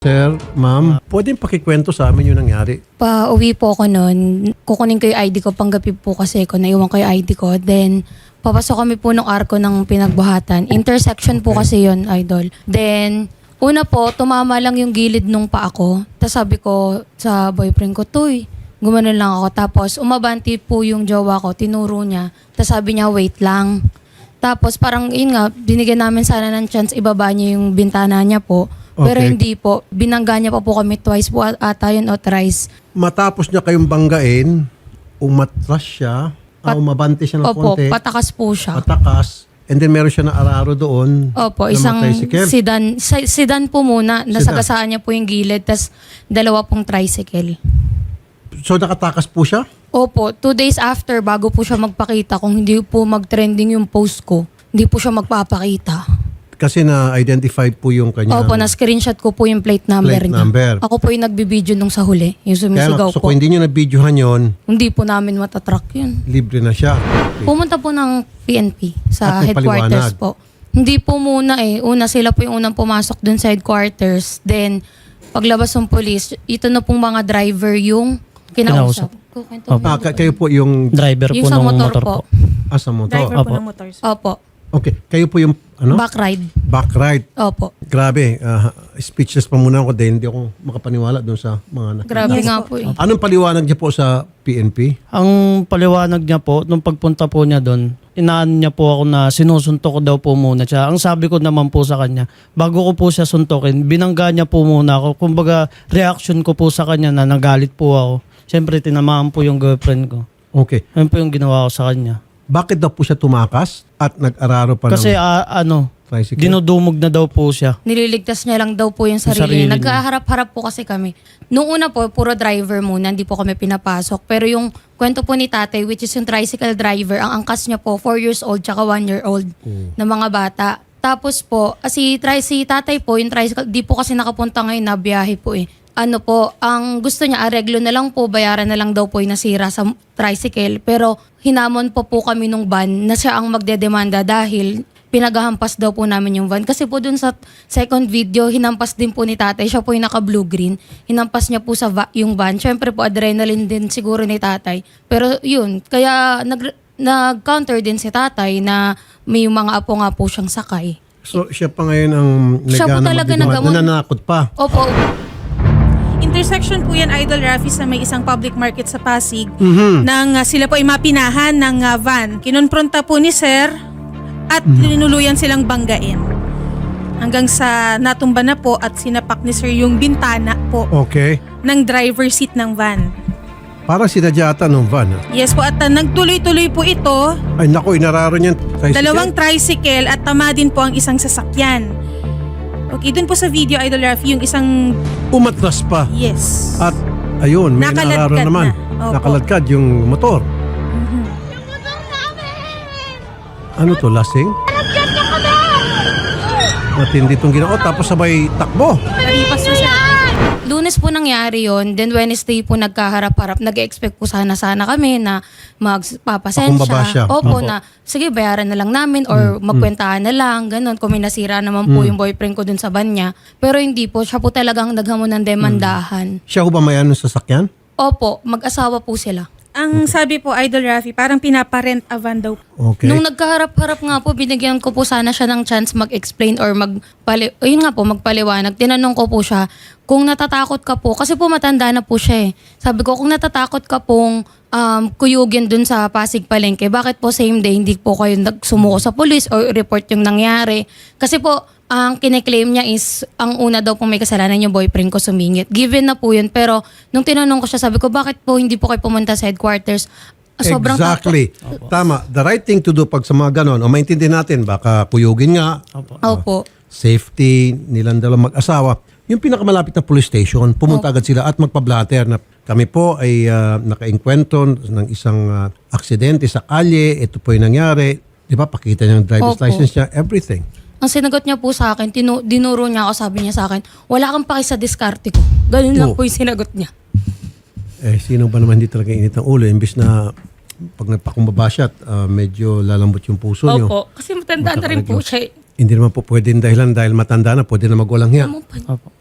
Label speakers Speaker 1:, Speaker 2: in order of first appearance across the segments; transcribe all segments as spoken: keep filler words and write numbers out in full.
Speaker 1: Sir, ma'am, pwedeng pakikwento sa amin yung nangyari.
Speaker 2: Pa-uwi po ako noon. Kukunin ko yung I D ko. Panggabi po kasi ko. Naiwan ko yung I D ko. Then, papasok kami po ng arko ng pinagbuhatan. Intersection po kasi yon, idol. Then, una po, tumama lang yung gilid nung paa ko. Tapos sabi ko sa boyfriend ko, Tuy, gumanon lang ako. Tapos, umabanti po yung jowa ko. Tinuro niya. Tapos sabi niya, wait lang. Tapos parang, yun nga, binigyan namin sana ng chance ibaba niya yung bintana niya po. Pero
Speaker 1: Okay.
Speaker 2: hindi po. Binangga niya pa po kami twice po ata yun o thrice.
Speaker 1: Matapos niya kayong banggain, umatras siya, ah,
Speaker 2: Pat-
Speaker 1: umabante siya ng
Speaker 2: Opo,
Speaker 1: konti,
Speaker 2: patakas po siya.
Speaker 1: patakas, and then meron siya na araro doon.
Speaker 2: Opo,
Speaker 1: na
Speaker 2: isang
Speaker 1: tricycle.
Speaker 2: sedan. Sa- Sedan po muna. Nasagasaan niya po yung gilid. Tapos dalawa pong tricycle.
Speaker 1: So nakatakas po siya?
Speaker 2: Opo, two days after, bago po siya magpakita, kung hindi po mag-trending yung post ko, hindi po siya magpapakita.
Speaker 1: Kasi na-identified po yung kanyang
Speaker 2: Opo, na-screenshot ko po yung plate number
Speaker 1: plate
Speaker 2: niya.
Speaker 1: number.
Speaker 2: Ako po yung nagbibideo nung sa huli. Yung
Speaker 1: Kaya
Speaker 2: sumisigaw
Speaker 1: so
Speaker 2: po.
Speaker 1: kung hindi nyo na-videohan yun,
Speaker 2: Hindi po namin matatrack yun.
Speaker 1: libre na siya.
Speaker 2: Pumunta po ng P N P sa
Speaker 1: At may
Speaker 2: headquarters
Speaker 1: paliwanag.
Speaker 2: po. Hindi po muna eh. Una sila po yung unang pumasok dun sa headquarters. Then, paglabas ng police, ito na pong mga driver yung kinausap. Kukwento mo
Speaker 1: Ah,
Speaker 2: po.
Speaker 1: ka- kayo po yung
Speaker 3: Driver
Speaker 2: Yung
Speaker 3: po
Speaker 2: sa
Speaker 3: ng
Speaker 2: motor
Speaker 3: motor,
Speaker 2: po.
Speaker 3: po.
Speaker 1: asa motor.
Speaker 4: Driver
Speaker 3: Opo.
Speaker 4: po ng motor. sir.
Speaker 2: Opo.
Speaker 1: Okay, kayo po yung ano?
Speaker 2: Back ride.
Speaker 1: Back right.
Speaker 2: Opo.
Speaker 1: Grabe, ah, speechless pa muna ako dahil hindi ako makapaniwala doon sa mga anak.
Speaker 2: Grabe
Speaker 4: Yes
Speaker 2: nga
Speaker 4: po.
Speaker 2: po eh.
Speaker 1: Anong paliwanag niya po sa P N P?
Speaker 3: Ang paliwanag niya po, nung pagpunta po niya doon, inaan niya po ako na sinusuntok ko daw po muna siya. Ang sabi ko naman po sa kanya, bago ko po siya suntokin, binangga niya po muna ako. Kumbaga, reaction ko po sa kanya na nagalit po ako. Siyempre, tinamaan po yung girlfriend ko.
Speaker 1: Okay.
Speaker 3: Ayun po yung ginawa ko sa kanya.
Speaker 1: Bakit daw po siya tumakas at nag-araro pa
Speaker 3: Kasi
Speaker 1: ng
Speaker 3: ah, ano,
Speaker 1: tricycle?
Speaker 3: dinudumog na daw po siya.
Speaker 2: Nililigtas niya lang daw po yung
Speaker 3: Yung
Speaker 2: sarili.
Speaker 3: sarili niya.
Speaker 2: Nagkaharap-harap po kasi kami. Nung una po, puro driver muna, hindi po kami pinapasok. Pero yung kwento po ni tatay, which is yung tricycle driver, ang angkas niya po, four years old tsaka one year old na mga bata. Tapos po, ah, si, tri- si tatay po, yung tricycle, di po kasi nakapunta ngayon na biyahe po eh. Ano po, ang gusto niya, areglo na lang po, bayaran na lang daw po yung nasira sa tricycle. Pero hinamon po po kami nung van na siya ang magdedemanda dahil pinagahampas daw po namin yung van. Kasi po dun sa second video, hinampas din po ni tatay. Siya po yung naka-blue-green. Hinampas niya po sa va- yung van. Siyempre po, adrenaline din siguro ni tatay. Pero yun, kaya nag- nag-counter din si tatay na may mga apo nga po siyang sakay.
Speaker 1: So siya pa ngayon ang
Speaker 2: Siya po
Speaker 1: nagana
Speaker 2: talaga
Speaker 1: magdidiwa-
Speaker 2: nagamon.
Speaker 1: nananakot pa.
Speaker 2: Opo,
Speaker 4: Intersection po yan, Idol Rafi, sa may isang public market sa Pasig.
Speaker 1: Mhm.
Speaker 4: Nang ah, sila po ay mapinahan ng ah, van. Kinonfronta po ni Sir at linuluyan silang banggain. Hanggang sa natumba na po at sinapak ni Sir yung bintana po
Speaker 1: Okay.
Speaker 4: ng driver seat ng van.
Speaker 1: Parang sinadya ata ng van. ah.
Speaker 4: Yes po, at ah, nagtuloy-tuloy po ito.
Speaker 1: Ay naku, inararo niyan. Tricycle.
Speaker 4: Dalawang tricycle at tama din po ang isang sasakyan. Okay, dun po sa video, Idol Rafi, yung isang
Speaker 1: Umatras pa.
Speaker 4: yes.
Speaker 1: At ayun, may
Speaker 4: Nakaladkad
Speaker 1: inararo naman.
Speaker 4: na. Opo.
Speaker 1: Nakaladkad yung motor.
Speaker 4: Mhm.
Speaker 1: Ano to, lasing? Matindi itong ginawa. Tapos sabay takbo.
Speaker 4: Naripas po siya.
Speaker 2: Lunes po nangyari yon. Then Wednesday po nagkaharap-harap. Nag-expect po sana-sana kami na
Speaker 1: Pakumbaba siya.
Speaker 2: magpapasensya. Opo,
Speaker 3: Opo.
Speaker 2: na sige, bayaran na lang namin or magkwentahan na lang. Ganon. Kung may nasira naman po yung boyfriend ko dun sa van niya. Pero hindi po. Siya po talagang naghamon ng demandahan.
Speaker 1: Siya ho ba may ano sa sasakyan?
Speaker 2: Opo, mag-asawa po sila.
Speaker 4: Ang sabi po, Idol Rafi, parang pinaparent a van daw.
Speaker 1: Okay.
Speaker 2: Nung nagkaharap-harap nga po, binigyan ko po sana siya ng chance mag-explain or magpali... Ayun nga po, magpaliwanag. Tinanong ko po siya, kung natatakot ka po, kasi po matanda na po siya eh. Sabi ko, kung natatakot ka pong um, kuyugin dun sa Pasig Palengke, bakit po same day hindi po kayo nagsumuko sa police or report yung nangyari? Kasi po, ang kine-claim niya is, ang una daw pong may kasalanan yung boyfriend ko sumingit. Given na po yun, pero nung tinanong ko siya, sabi ko, bakit po hindi po kayo pumunta sa headquarters? Sobrang
Speaker 1: exactly. Tama. The right thing to do pag sa mga ganon, o maintindihan natin, baka kuyugin nga,
Speaker 3: Opo.
Speaker 2: Opo.
Speaker 1: safety, nilang dalawang mag-asawa. Yung pinakamalapit na police station, pumunta agad sila at magpa-blatter na kami po ay uh, naka-enkwentro ng isang uh, aksidente sa kalye, ito po yung nangyari. Di ba, pakita niya ang driver's
Speaker 2: Opo.
Speaker 1: license niya, everything.
Speaker 2: Ang sinagot niya po sa akin, tinu- dinuro niya ako, sabi niya sa akin, wala kang paki sa diskarte ko. Ganun lang
Speaker 1: Oh.
Speaker 2: po yung sinagot niya.
Speaker 1: Eh, sino ba naman hindi talaga init ang ulo? Imbis na pag nagpakumbaba siya at uh, medyo lalambot yung puso niyo.
Speaker 2: Opo, kasi matanda na rin po siya. eh.
Speaker 1: Hindi naman po pwedeng dahilan dahil matanda na, pwede na magulang hiya.
Speaker 2: Ano pa-
Speaker 3: Opo.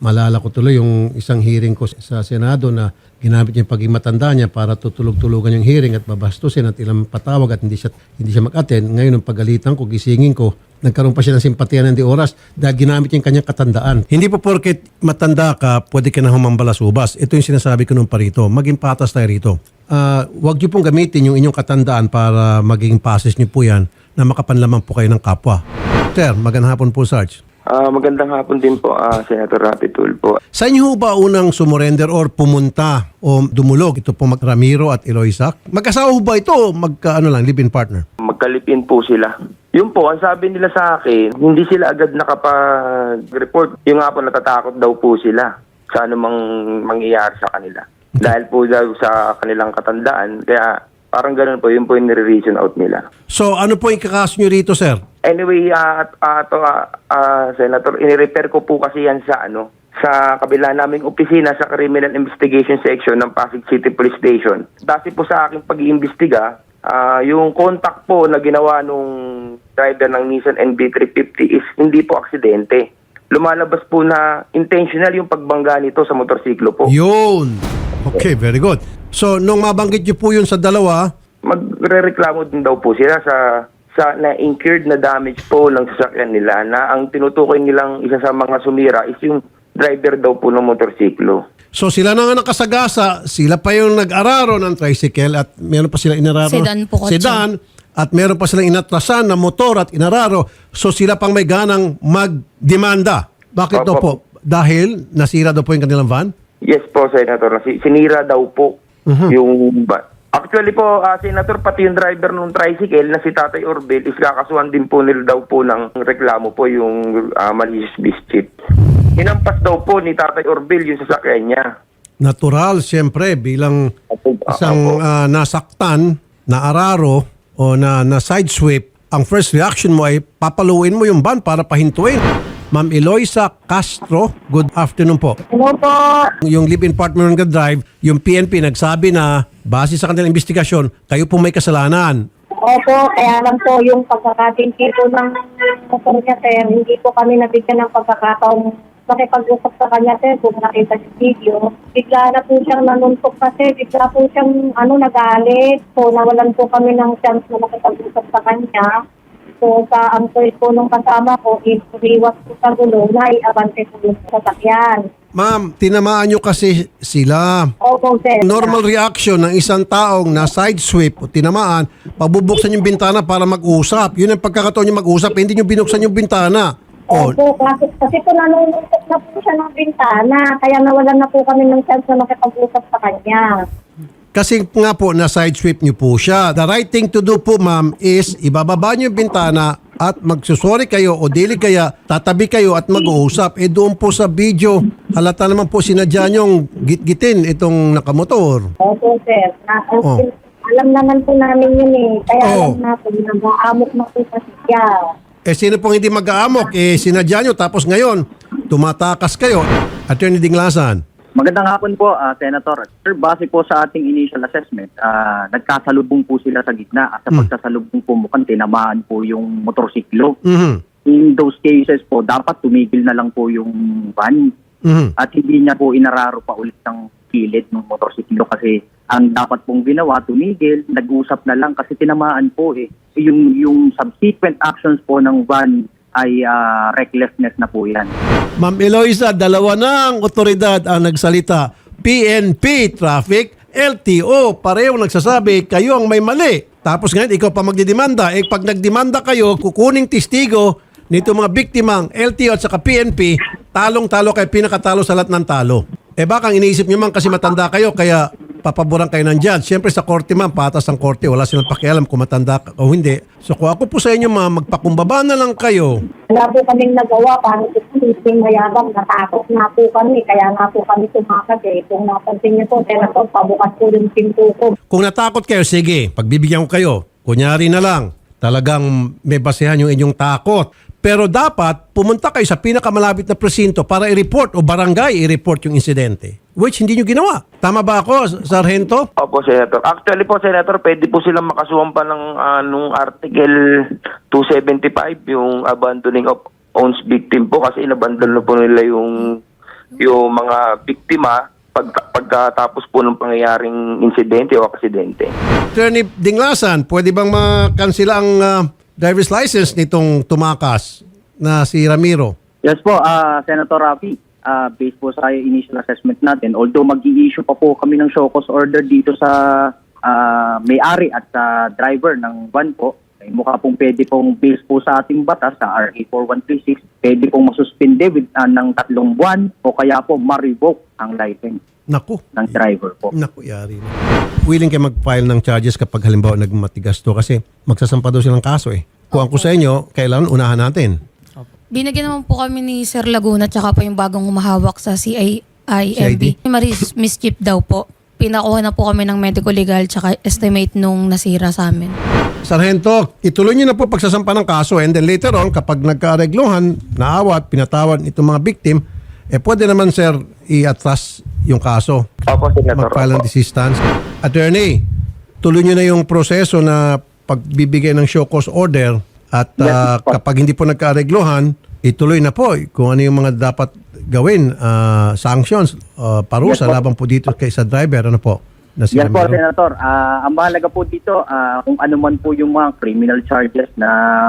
Speaker 1: Malala ko tuloy yung isang hearing ko sa Senado na ginamit niya yung pagiging matanda niya para tutulog-tulugan yung hearing at babastusin at ilang patawag at hindi siya, hindi siya mag-attend. Ngayon, nung pagalitan ko, gisingin ko, nagkaroon pa siya ng simpatiya ng di oras dahil ginamit niya yung kanyang katandaan. Hindi po porket matanda ka, pwede ka na humambalasubas. Ito yung sinasabi ko nung parito. Maging patas tayo rito. Uh, huwag niyo pong gamitin yung inyong katandaan para maging pases niyo po yan na makapanlamang po kayo ng kapwa. Sir, magandang hapon po, Sarge.
Speaker 5: Ah, magandang hapon din po, ah, Senator Rapi Tulfo.
Speaker 1: Sa inyo ba unang sumurrender or pumunta o dumulog ito po mag Ramiro at Eloisa? Magkasawa ba ito o magka, ano lang, live-in partner?
Speaker 5: Magkalipin po sila. Yun po, ang sabi nila sa akin, hindi sila agad nakapag-report. Yung nga po, natatakot daw po sila sa anumang mangyayari sa kanila. Dahil po daw sa kanilang katandaan, kaya parang ganun po, yun po yung nire-reason out nila.
Speaker 1: So ano po yung kakaso nyo rito, sir?
Speaker 5: Anyway, uh, uh, to, uh, uh, Senator, inirepair ko po kasi yan sa ano, sa kabila naming opisina sa Criminal Investigation Section ng Pasig City Police Station. Base po sa aking pag-iimbestiga, uh, yung contact po na ginawa nung driver ng Nissan N B three fifty is hindi po aksidente. Lumalabas po na intentional yung pagbangga nito sa motorsiklo po.
Speaker 1: Yun. Okay, very good. So nung mabanggit nyo po yun sa dalawa,
Speaker 5: magrereklamo din daw po sila sa sa na-incurred na damage po ng sasakyan nila na ang tinutukoy nilang isa sa mga sumira is yung driver daw po ng motorsiklo.
Speaker 1: so sila na nga nakasagasa, sila pa yung nag-araro ng tricycle at meron pa sila inararo.
Speaker 2: Sedan po, kotse.
Speaker 1: Sedan, at meron pa silang inatrasan na motor at inararo. So sila pang may ganang magdemanda. Bakit
Speaker 5: Opo.
Speaker 1: daw po? Dahil nasira daw po yung kanilang van?
Speaker 5: Yes po, Senator. Si- Sinira daw po yung ba. Actually po, ah, Senator, pati yung driver ng tricycle na si Tatay Orbel is kakasuhan din po nila daw po ng reklamo po yung uh, malicious biscuit. Hinampas daw po ni Tatay Orbel yung sasakyan niya.
Speaker 1: Natural, siyempre, bilang isang ah, nasaktan na araro o na, na side sweep, ang first reaction mo ay papaluin mo yung van para pahintuin. Ma'am Eloisa Castro, good afternoon po.
Speaker 6: Hello po.
Speaker 1: Yung live-in partner ng drive, yung P N P nagsabi na base sa kanilang investigasyon, kayo po may kasalanan.
Speaker 6: Opo, kaya lang po yung pagkakatinti po ng motor niya, sir, hindi po kami nabigyan ng pagkakataong makipag-usap sa kanya, sir, kung nakita sa video. Bigla na po siyang nanuntok kasi, bigla po siyang ano, nagalit. So, nawalan po kami ng chance na makipag-usap sa kanya. So, sa ang choice po nung kasama ko, is iwas po sa gulo na i-abante po yung sasakyan.
Speaker 1: Ma'am, tinamaan nyo kasi sila.
Speaker 6: Opo, sir.
Speaker 1: Normal reaction ng isang taong na side sweep o tinamaan, pabubuksan yung bintana para mag-usap. Yun ang pagkakataon nyo mag-usap, hindi nyo binuksan yung bintana. O,
Speaker 6: Opo, kasi, kasi po nanununtok na po siya ng bintana, kaya nawalan na po kami ng chance na makipag-usap sa kanya.
Speaker 1: kasi nga po na side sweep nyo po siya. The right thing to do po, ma'am, is ibababa nyo yung bintana at magsusori kayo o dili kaya tatabi kayo at mag-uusap. Eh doon po sa video, halata naman po sinadya nyong git-gitin itong nakamotor.
Speaker 6: Opo, sir. Na,
Speaker 1: Oh.
Speaker 6: Alam naman po namin yun eh. Kaya
Speaker 1: Oh.
Speaker 6: alam na po, nag-aamok na po kasi siya.
Speaker 1: Eh sino pong hindi mag-aamok? Eh sinadya nyo tapos ngayon tumatakas kayo. Attorney Dinglasan.
Speaker 7: Magandang hapon po, ah, Senator. Sir, base po sa ating initial assessment, ah, nagkasalubong po sila sa gitna at sa pagkasalubong po mukhang tinamaan po yung motorsiklo.
Speaker 1: Mhm.
Speaker 7: In those cases po, dapat tumigil na lang po yung van
Speaker 1: Mhm.
Speaker 7: at hindi niya po inararo pa ulit ng kilid ng motorsiklo kasi ang dapat pong ginawa, tumigil, nag-usap na lang kasi tinamaan po eh. Yung, yung subsequent actions po ng van ay ah, recklessness na po yan.
Speaker 1: Ma'am Eloisa, dalawa ng otoridad ang nagsalita. P N P, traffic, L T O, pareho nagsasabi, kayo ang may mali. Tapos ngayon, ikaw pa magdidemanda. Eh, pag nagdemanda kayo, kukuning testigo nito mga biktimang L T O at saka P N P, talong-talo kayo, pinakatalo sa lahat ng talo. Eh baka ang iniisip nyo man kasi matanda kayo, kaya papaboran kayo ng judge. Siyempre sa korte man, patas ang korte, wala silang pakialam kung matanda ka o hindi. So kung ako po sa inyo, ma'am, magpakumbaba na lang kayo.
Speaker 6: Wala po kaming nagawa, paano po kami mayabang, natakot na po kami, kaya nga po kami tumakas eh. Kung napansin niyo po, kaya po, pabukas po yung pinto ko.
Speaker 1: Kung natakot kayo, sige, pagbibigyan ko kayo. Kunyari na lang, talagang may basehan yung inyong takot. Pero dapat pumunta kayo sa pinakamalapit na presinto para i-report o barangay i-report yung insidente. Which hindi nyo ginawa. Tama ba ako, Sargento?
Speaker 5: Opo, Senator. Actually po, Senator, pwede po silang makasuhan pa ng uh, nung Article two seventy-five, yung abandoning of owns victim po kasi inabandon na po nila yung yung mga biktima pag, pagkatapos po ng pangyayaring insidente o aksidente.
Speaker 1: Attorney Dinglasan, pwede bang makansila ang ah, driver's license nitong tumakas na si Ramiro?
Speaker 7: Yes po, ah, Senator Rafi, ah, based po sa initial assessment natin, although mag-i-issue pa po kami ng show cause order dito sa ah, may-ari at sa driver ng van po, ay mukha pong pwede pong based po sa ating batas sa R A four one three six, pwede pong masuspinde with, ah, ng tatlong buwan o kaya po ma-revoke ang license
Speaker 1: Naku.
Speaker 7: ng driver po.
Speaker 1: Naku, yari na. Willing kayo mag-file ng charges kapag halimbawa nagmatigas to kasi magsasampa daw silang kaso eh. Kung ako sa inyo, kailangan unahan natin.
Speaker 2: Binigyan naman po kami ni Sir Laguna tsaka po yung bagong humahawak sa C I M B. Maris mischief daw po. Pinakuha na po kami ng medical legal tsaka estimate nung nasira sa amin.
Speaker 1: Sargento, ituloy niyo na po pagsasampa ng kaso and then later on, kapag nagkaaregluhan, naawat, pinatawad itong mga victim, eh pwede naman sir i-atras yung kaso.
Speaker 5: Opo, Senator.
Speaker 1: Mag-file ng
Speaker 5: Opo.
Speaker 1: desistance. Attorney, tuloy niyo na yung proseso na pagbibigay ng show cause order at ah,
Speaker 5: Yes, po.
Speaker 1: kapag hindi po nagkaaregluhan, ituloy na po kung ano yung mga dapat gawin, ah, sanctions, ah, parusa
Speaker 7: Yes, po.
Speaker 1: laban po dito kay sa driver, ano po? Na si
Speaker 7: Yes po,
Speaker 1: Ramiro.
Speaker 7: Senator. Ah, ang mahalaga po dito, ah, kung ano man po yung mga criminal charges na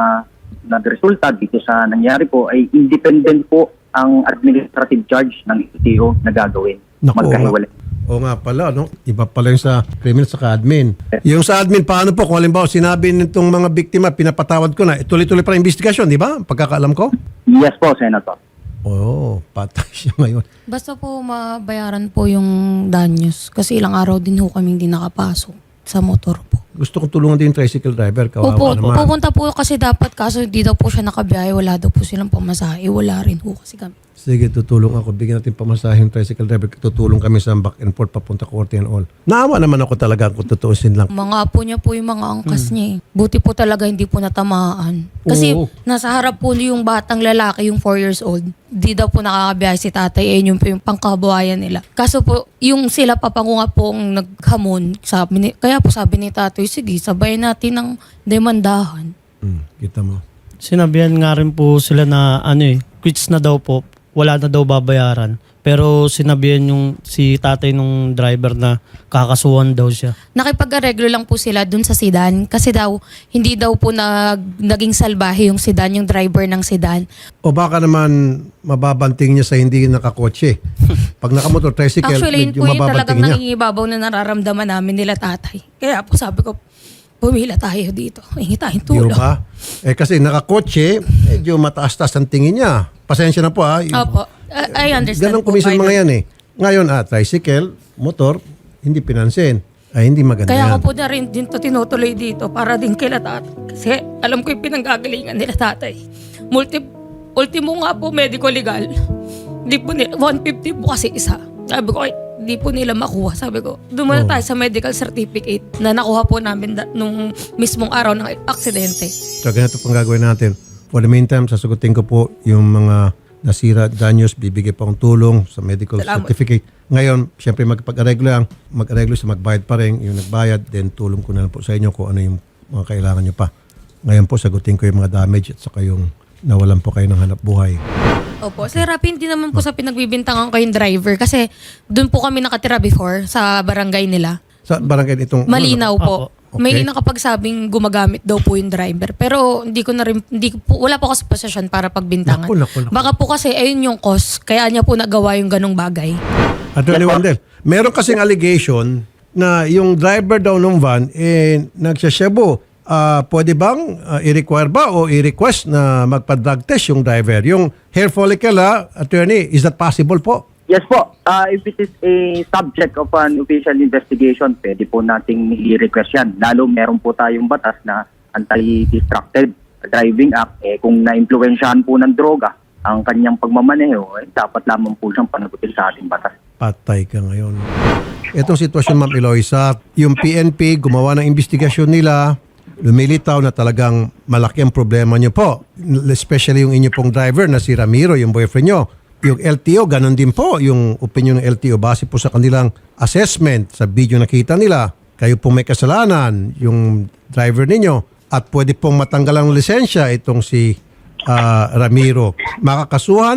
Speaker 7: nagresulta dito sa nangyari po, ay independent po ang administrative charge ng L T O na gagawin.
Speaker 1: Naku,
Speaker 7: Magkahiwalay.
Speaker 1: O nga pala, no? Iba pala yung sa criminal sa admin. Yung sa admin, paano po? Kung halimbawa, sinabi nitong mga biktima, pinapatawad ko na, eh, tuloy-tuloy pa ang investigasyon, di ba? Pagkakaalam ko?
Speaker 7: Yes po, Senator.
Speaker 1: Oo, patay siya ngayon.
Speaker 2: Basta po mabayaran po yung danyos kasi ilang araw din ho kami hindi nakapasok sa motor po.
Speaker 1: Gusto kong tulungan din yung tricycle driver. Kawawa
Speaker 2: Opo,
Speaker 1: naman.
Speaker 2: pupunta po kasi dapat kaso hindi daw po siya nakabiyahe, wala daw po silang pamasahe, wala rin ho kasi kami.
Speaker 1: Sige, tutulong ako. Bigyan natin pamasahe yung tricycle driver. Tutulong kami sa back and forth papunta korte and all. Naawa naman ako talaga kung tutuusin lang.
Speaker 2: Mga apo niya po yung mga angkas niya eh. Buti po talaga hindi po natamaan. Kasi
Speaker 1: Oo.
Speaker 2: nasa harap po yung batang lalaki, yung four years old. Di daw po nakakabiyahe si tatay. Eh, yun po yung pangkabuhayan nila. Kaso po, yung sila papango nga po ang naghamon. Sabi ni, kaya po sabi ni tatay, sige, sabayin natin ng demandahan.
Speaker 1: Hmm, kita mo.
Speaker 3: Sinabihan nga rin po sila na ano eh, quits na daw po, wala na daw babayaran. Pero sinabihan yung si tatay nung driver na kakasuhan daw siya.
Speaker 2: Nakipag-areglo lang po sila dun sa sedan kasi daw hindi daw po nag, naging salbahe yung sedan, yung driver ng sedan.
Speaker 1: O baka naman mababanting niya sa hindi nakakotse. Pag nakamotor tricycle,
Speaker 2: Actually, yun
Speaker 1: medyo
Speaker 2: po yung talagang
Speaker 1: mababanting niya.
Speaker 2: nangingibabaw na nararamdaman namin nila tatay. Kaya po sabi ko, pumila tayo dito. Hingi tayong
Speaker 1: Di
Speaker 2: tulong.
Speaker 1: ba? Eh kasi nakakotse, medyo mataas-taas ang tingin niya. Pasensya na po ha.
Speaker 2: Opo. I, I understand
Speaker 1: Ganun
Speaker 2: po.
Speaker 1: kumisan
Speaker 2: Idol.
Speaker 1: mga yan eh. Ngayon, ah, tricycle, motor, hindi pinansin. Ay, hindi maganda
Speaker 2: Kaya
Speaker 1: yan.
Speaker 2: ako po na rin din to tinutuloy dito para din kila tatay. Kasi alam ko yung pinanggagalingan nila tatay. Multi, ultimo nga po medical legal. Di po nila, one fifty po kasi isa. Sabi ko, ay, di po nila makuha. Sabi ko, doon muna
Speaker 1: Oh.
Speaker 2: tayo sa medical certificate na nakuha po namin da- nung mismong araw ng aksidente.
Speaker 1: So, ganito pang gagawin natin. For the meantime, sasagutin ko po yung mga nasira, danyos, bibigay pa akong tulong sa medical
Speaker 2: Salamat.
Speaker 1: certificate. Ngayon, siyempre magpag-areglo lang, mag-areglo sa magbayad pa rin, yung nagbayad, then tulong ko na lang po sa inyo kung ano yung mga kailangan nyo pa. Ngayon po, sagutin ko yung mga damage at saka yung nawalan po kayo ng hanap buhay.
Speaker 2: Opo. Sir Rapi, hindi naman po sa pinagbibintangan ko yung driver kasi doon po kami nakatira before sa barangay nila.
Speaker 1: Sa barangay itong...
Speaker 2: Malinaw po.
Speaker 1: Opo. Okay.
Speaker 2: May nakapagsabing gumagamit daw po yung driver. Pero hindi ko na rin, hindi ko po, wala po kasi posisyon para pagbintangan.
Speaker 1: Naku, naku, naku.
Speaker 2: Baka po kasi ayun yung cause, kaya niya po nagawa yung ganong bagay.
Speaker 1: Attorney Wandel, meron kasing allegation na yung driver daw ng van, eh, nagsasyebo. Ah, pwede bang ah, i-require ba o i-request na magpa-drug test yung driver? Yung hair follicle, ah, attorney, is that possible po?
Speaker 7: Yes po. Uh, if it is a subject of an official investigation, pwede po nating i-request yan. Lalo meron po tayong batas na Anti-Distracted Driving Act. Eh, kung na-impluensyahan po ng droga ang kanyang pagmamaneho, eh, dapat lamang po siyang panagutin sa ating batas.
Speaker 1: Patay ka ngayon. Itong sitwasyon, Ma'am Eloisa, yung P N P gumawa ng investigasyon nila, lumilitaw na talagang malaki ang problema nyo po. Especially yung inyo pong driver na si Ramiro, yung boyfriend nyo. Yung L T O, ganun din po yung opinion ng L T O base po sa kanilang assessment sa video nakita nila. Kayo pong may kasalanan, yung driver ninyo, at pwede pong matanggal ang lisensya itong si ah, Ramiro. Makakasuhan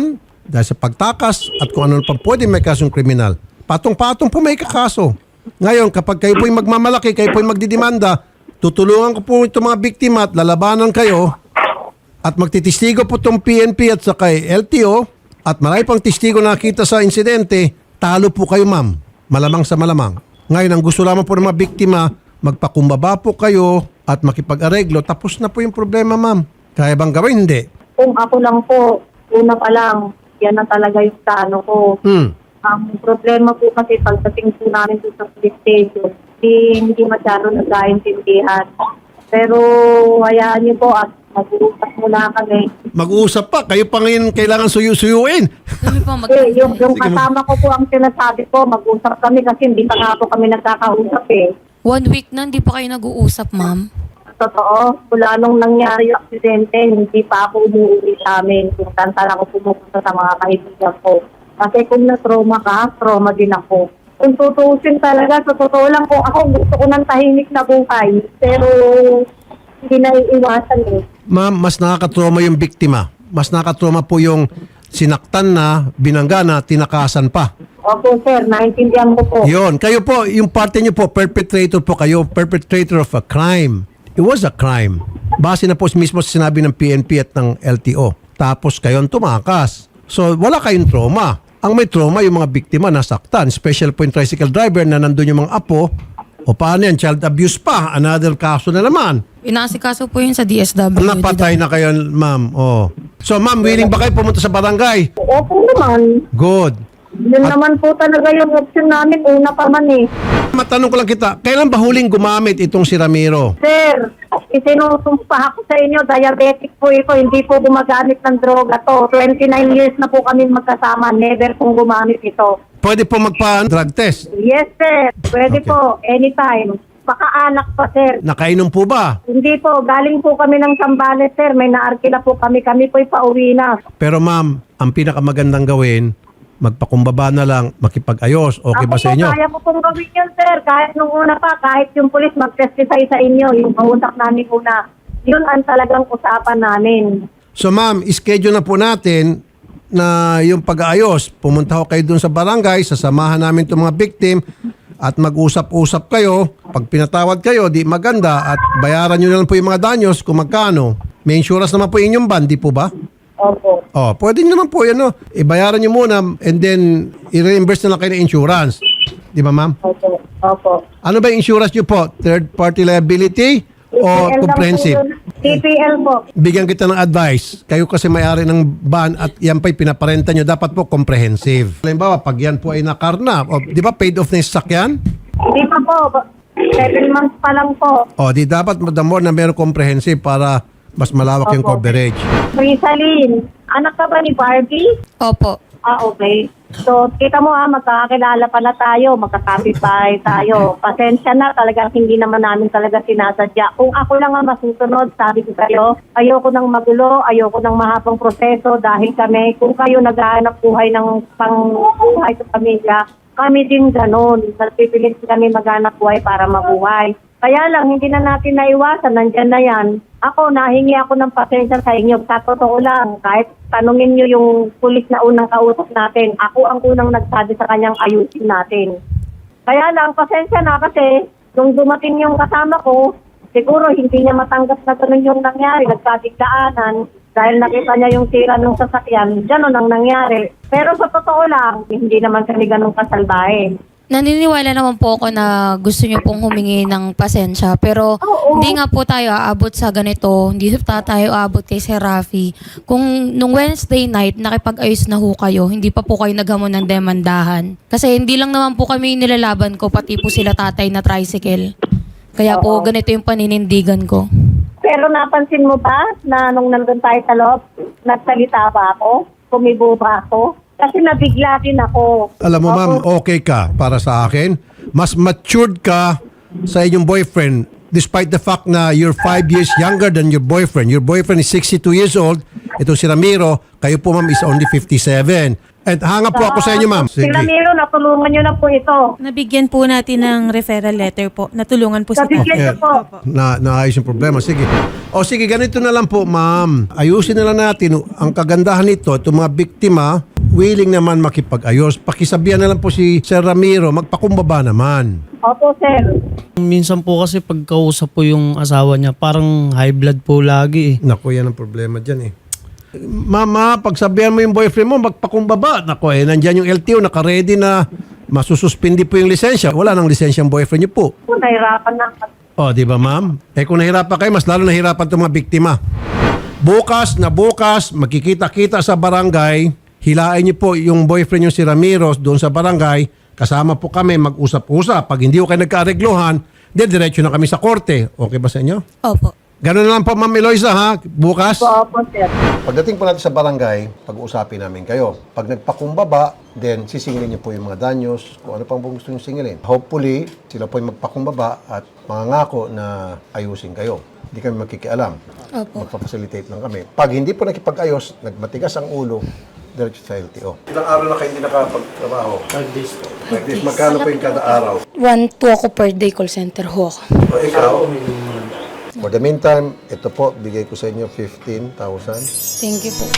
Speaker 1: dahil sa pagtakas at kung ano pa pwede may kasong kriminal. Patong-patong po may kakaso. Ngayon, kapag kayo po'y magmamalaki, kayo po'y magdidemanda, tutulungan ko po itong mga biktima at lalabanan kayo at magtitistigo po itong P N P at saka L T O at marami pang testigo na nakita sa insidente, talo po kayo ma'am. Malamang sa malamang. Ngayon, ang gusto lamang po ng mga biktima, magpakumbaba po kayo at makipag-areglo, tapos na po yung problema ma'am. Kaya bang gawin? Hindi.
Speaker 6: Kung ako lang po, una pa lang, yan na talaga yung plano ko.
Speaker 1: Hmm.
Speaker 6: Ang problema po kasi pagdating po namin po sa police station, hindi, hindi masyado nagkaintindihan. Pero hayaan niyo po at mag-uusap muna kami.
Speaker 1: Mag-uusap pa. Kayo pa ngayon kailangan suyu-suyuin.
Speaker 2: Kami po mag-
Speaker 6: Eh, yung, yung kasama ko po ang sinasabi ko, mag-usap kami kasi hindi pa nga po kami nagkakausap eh.
Speaker 2: One week na, hindi pa kayo nag-uusap, ma'am.
Speaker 6: Totoo, mula nung nangyari yung aksidente, hindi pa ako umuwi sa amin. Kung tantan ako pumupunta sa mga kaibigan ko. Kasi kung na-trauma ka, trauma din ako. Kung tutuusin talaga, sa totoo lang kung ako gusto ko ng tahimik na buhay. Pero hindi na iiwasan eh.
Speaker 1: Ma'am, mas nakakatrauma yung biktima. Mas nakakatrauma po yung sinaktan na, binangga na, tinakasan pa.
Speaker 6: Opo sir, naintindihan ko po.
Speaker 1: Yon, kayo po, yung parte niyo po, perpetrator po kayo, perpetrator of a crime. It was a crime. Base na po mismo sa sinabi ng P N P at ng L T O. Tapos kayo ang tumakas. So, wala kayong trauma. Ang may trauma, yung mga biktima nasaktan. Special po yung tricycle driver na nandun yung mga apo. O paano yan? Child abuse pa. Another kaso na naman.
Speaker 2: Inaasikaso po yun sa D S W.
Speaker 1: Napatay na kayo, ma'am. Oh. So, ma'am, willing ba kayo pumunta sa barangay?
Speaker 6: Opo naman.
Speaker 1: Good.
Speaker 6: Yun naman po talaga yung option namin. Una pa man eh.
Speaker 1: Matanong ko lang kita, kailan ba huling gumamit itong si Ramiro?
Speaker 6: Sir, isinusumpa ako sa inyo, diabetic po ito, hindi po gumagamit ng droga to. twenty-nine years na po kami magkasama, never pong gumamit ito.
Speaker 1: Pwede po magpa-drug test.
Speaker 6: Yes sir, pwede
Speaker 1: Okay.
Speaker 6: po, anytime. Baka anak pa sir.
Speaker 1: Nakainom po ba?
Speaker 6: Hindi po, galing po kami ng Sambales sir, may naarkila po kami, kami po'y pauwi na.
Speaker 1: Pero ma'am, ang pinakamagandang gawin, magpakumbaba na lang, makipag-ayos. Okay ba
Speaker 6: Ako
Speaker 1: sa
Speaker 6: po,
Speaker 1: inyo?
Speaker 6: kaya ko pong gawin yun sir, kahit nung una pa, kahit yung pulis mag-testify sa inyo, yung kausap namin una, yun ang talagang usapan namin.
Speaker 1: So ma'am, schedule na po natin na yung pag-aayos. Pumunta ko kayo dun sa barangay, sasamahan namin itong mga victim at mag-usap-usap kayo. Pag pinatawad kayo, di maganda at bayaran nyo na lang po yung mga danyos kung magkano. May insurance naman po yung inyong van, di po ba?
Speaker 6: Opo.
Speaker 1: Oh, pwede nyo naman po yan, no? Ibayaran nyo muna and then i-reimburse na lang kayo ng insurance. Di ba, ma'am?
Speaker 6: Opo. Opo.
Speaker 1: Ano ba yung insurance nyo po? Third party liability o
Speaker 6: T P L lang
Speaker 1: comprehensive?
Speaker 6: po yun. T P L po.
Speaker 1: Bigyan kita ng advice. Kayo kasi may-ari ng van at yan pa'y pinaparenta nyo, dapat po comprehensive. Halimbawa, pag yan po ay nakarna, o, di ba paid off na yung sasakyan?
Speaker 6: Hindi pa po. Seven months pa lang po.
Speaker 1: O, di dapat the more na meron comprehensive para mas malawak yung
Speaker 6: Opo.
Speaker 1: coverage.
Speaker 6: Rizalyn, anak ka ba ni Barbie?
Speaker 2: Opo.
Speaker 6: Ah, okay. So, kita mo ha, magkakakilala pala tayo, magkakapit-bahay tayo. Pasensya na, talagang hindi naman namin talaga sinasadya. Kung ako lang ang masusunod, sabi ko kayo, ayoko nang magulo, ayoko nang mahabang proseso dahil kami, kung kayo naghahanap buhay ng pangbuhay sa pamilya, kami din ganun. Nagpipilit kami maghanap buhay para mabuhay. Kaya lang, hindi na natin naiwasan, nandyan na yan. Ako, nahingi ako ng pasensya sa inyo. Sa totoo lang, kahit tanungin nyo yung pulis na unang kausap natin, ako ang unang nagsabi sa kanyang ayusin natin. Kaya lang, pasensya na kasi, nung dumating yung kasama ko, siguro hindi niya matanggap na ganun yung nangyari. Nagkadigdaanan dahil nakita niya yung sira ng sasakyan. Ganun ang nangyari. Pero sa totoo lang, hindi naman kami ganun kasalbahe.
Speaker 2: Naniniwala naman po ako na gusto niyo pong humingi ng pasensya. Pero
Speaker 6: Oo.
Speaker 2: hindi nga po tayo aabot sa ganito. Hindi pa tayo aabot kay Sir Rafi. Kung nung Wednesday night, nakipag-ayos na ho kayo, hindi pa po kayo naghamon ng demandahan. Kasi hindi lang naman po kami nilalaban ko, pati po sila tatay na tricycle. Kaya po
Speaker 6: Oo.
Speaker 2: ganito yung paninindigan ko.
Speaker 6: Pero napansin mo ba na nung nandun tayo sa loob, nagsalita ba ako? Kumibo ba ako? Kasi nabigla din ako.
Speaker 1: Alam mo, ma'am,
Speaker 6: Ako-
Speaker 1: okay ka para sa akin. Mas matured ka sa inyong boyfriend despite the fact na you're five years younger than your boyfriend. Your boyfriend is sixty-two years old. Ito si Ramiro. Kayo po, ma'am, is only fifty-seven. And hanga po ako sa inyo, ma'am.
Speaker 6: Si Ramiro, natulungan nyo na po ito.
Speaker 4: Nabigyan po natin ng referral letter po. Natulungan po si
Speaker 6: Nabigyan
Speaker 4: Tatay.
Speaker 6: nyo po.
Speaker 1: Na, naayos yung problema. Sige. O sige, ganito na lang po, ma'am. Ayusin na lang natin. Ang kagandahan nito, itong mga biktima, willing naman makipag-ayos. Pakisabihan na lang po si Sir Ramiro, magpakumbaba naman.
Speaker 6: Opo, sir.
Speaker 3: Minsan po kasi pagkausap po yung asawa niya, parang high blood po lagi eh.
Speaker 1: Naku, yan ang problema dyan eh. Mama, pagsabihan mo yung boyfriend mo, magpakumbaba. Naku eh, nandyan yung L T O, nakaready na masususpindi po yung lisensya. Wala nang lisensya ang boyfriend niyo po.
Speaker 6: Po, nahirapan na.
Speaker 1: O, di ba ma'am? Eh kung nahirapan kayo, mas lalo nahirapan itong mga biktima. Bukas na bukas, magkikita-kita sa barangay, hilain niyo po yung boyfriend niyo si Ramiro doon sa barangay, kasama po kami, mag-usap-usap. Pag hindi ko kayo nagka-areglohan, then diretso na kami sa korte. Okay ba sa inyo?
Speaker 2: Opo.
Speaker 1: Ganun na lang po, Ma'am Eloisa, ha? Bukas.
Speaker 6: Opo, sir.
Speaker 1: Pagdating po natin sa barangay, pag-uusapin namin kayo. Pag nagpakumbaba, then sisingilin niyo po yung mga danyos, kung ano pang gusto niyo singilin. Hopefully, sila po yung magpakumbaba at mangangako na ayusin kayo. Hindi kami makikialam.
Speaker 2: Opo.
Speaker 1: Magpapacilitate lang kami. Pag hindi po nakipag-ayos, nagmatigas ang ulo, diretso sa L T O. Ilang araw na kayo hindi nakapagtrabaho?
Speaker 3: Five days po.
Speaker 1: Like this, magkano po yung kada araw?
Speaker 2: One po ako per day call center ho ako.
Speaker 1: O ikaw? For the meantime, ito po, bigay ko sa inyo fifteen thousand.
Speaker 2: Thank you po.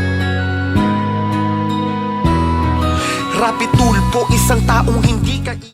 Speaker 8: Rapi tulpo, isang taong hindi ka